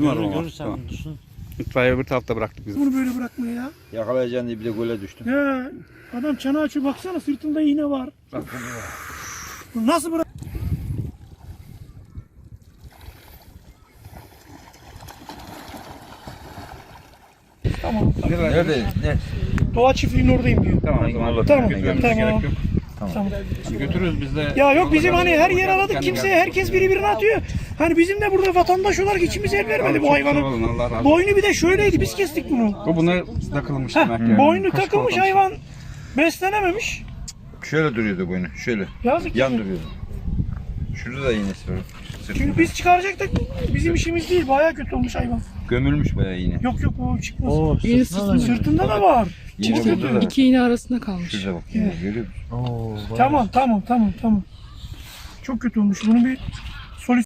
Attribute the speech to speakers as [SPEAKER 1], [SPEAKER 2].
[SPEAKER 1] Bizim var o.
[SPEAKER 2] Görürsen
[SPEAKER 1] Tamam.
[SPEAKER 2] dursun.
[SPEAKER 1] İtfaiye öbür tarafta bıraktık biz.
[SPEAKER 3] Bunu böyle bırakmaya ya.
[SPEAKER 4] Yakalayacağın diye bir de göle düştüm.
[SPEAKER 3] He. Adam çana açıyor baksana sırtında iğne var.
[SPEAKER 4] Bak
[SPEAKER 3] Bu nasıl bırak? Tamam.
[SPEAKER 4] nerede? Ne?
[SPEAKER 3] Doğa çiftliğinin oradayım diyor.
[SPEAKER 1] Tamam o zaman.
[SPEAKER 3] Tamam.
[SPEAKER 1] Götürmemize
[SPEAKER 3] Tamam.
[SPEAKER 1] gerek yok.
[SPEAKER 3] Tamam.
[SPEAKER 1] Götürürüz biz de.
[SPEAKER 3] Ya yok bizim hani her yer aradık kimseye herkes birbirine atıyor. Hani bizim de burada vatandaş olarak içimiz el vermedi bu hayvanın.
[SPEAKER 1] Allah razı olsun.
[SPEAKER 3] Boynu bir de şöyleydi biz kestik bunu.
[SPEAKER 1] Bu buna takılmış
[SPEAKER 3] Heh,
[SPEAKER 1] demek yani.
[SPEAKER 3] boynu
[SPEAKER 1] Kaşık
[SPEAKER 3] takılmış
[SPEAKER 1] olmuş.
[SPEAKER 3] hayvan beslenememiş.
[SPEAKER 4] Şöyle duruyordu boynu. Şöyle.
[SPEAKER 3] Yazık
[SPEAKER 4] Yan
[SPEAKER 3] ki.
[SPEAKER 4] duruyordu. Şurada da iğnesi var.
[SPEAKER 3] Çünkü biz çıkaracaktık bizim işimiz değil bayağı kötü olmuş hayvan.
[SPEAKER 4] Gömülmüş bayağı iğne.
[SPEAKER 3] Yok o çıkmaz.
[SPEAKER 2] Oo,
[SPEAKER 5] İğne
[SPEAKER 2] sırtına da
[SPEAKER 3] Sırtında da var.
[SPEAKER 4] İğne
[SPEAKER 3] Çok
[SPEAKER 4] burada
[SPEAKER 3] kötü.
[SPEAKER 4] da.
[SPEAKER 5] İki iğne arasında kalmış.
[SPEAKER 4] Şurada bak. Yine görüyor musun?
[SPEAKER 2] Oo, bayağı.
[SPEAKER 3] Tamam. Çok kötü olmuş. Bunu bir